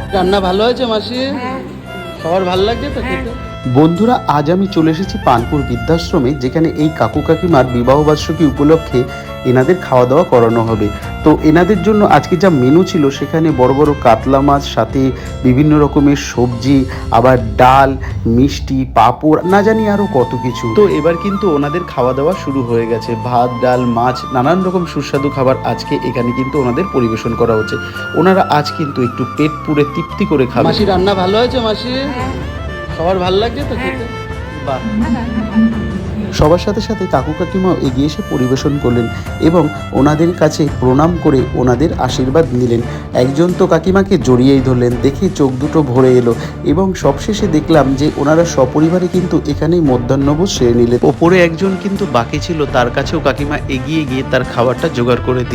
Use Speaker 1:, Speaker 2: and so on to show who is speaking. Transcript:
Speaker 1: রান্না ভালো হয়েছে মাসি? সবার ভালো লাগছে তো খেতে?
Speaker 2: বন্ধুরা, আজ আমি চলে এসেছি পানপুর বৃদ্ধাশ্রমে, যেখানে এই কাকু কাকিমার বিবাহবার্ষিকী উপলক্ষে এনাদের খাওয়া দাওয়া করানো হবে। তো এনাদের জন্য আজকে যা মেনু ছিল, সেখানে বড় বড় কাতলা মাছ, সাথে বিভিন্ন রকমের সবজি, আবার ডাল, মিষ্টি, পাঁপড়, না জানি আরও কত কিছু। তো এবার কিন্তু ওনাদের খাওয়া দাওয়া শুরু হয়ে গেছে। ভাত, ডাল, মাছ, নানান রকম সুস্বাদু খাবার আজকে এখানে কিন্তু ওনাদের পরিবেশন করা হচ্ছে। ওনারা আজ কিন্তু একটু পেট পুরে তৃপ্তি করে খাবে।
Speaker 1: মাসি রান্না ভালো হয়েছে মাসি? সবার ভালো লাগছে তো খেতে? বাহ।
Speaker 2: সবার সাথে সাথে কাকু কাকিমাও এগিয়ে এসে পরিবেশন করলেন এবং ওনাদের কাছে প্রণাম করে ওনাদের আশীর্বাদ নিলেন। একজন তো কাকিমাকে জড়িয়েই ধরলেন, দেখে চোখ দুটো ভরে এলো। এবং সবশেষে দেখলাম যে ওনারা সপরিবারে কিন্তু এখানেই মধ্যাহ্নভোজ সেরে নিলেন। ওপরে একজন কিন্তু বাকি ছিল, তার কাছেও কাকিমা এগিয়ে গিয়ে তার খাবারটা জোগাড় করে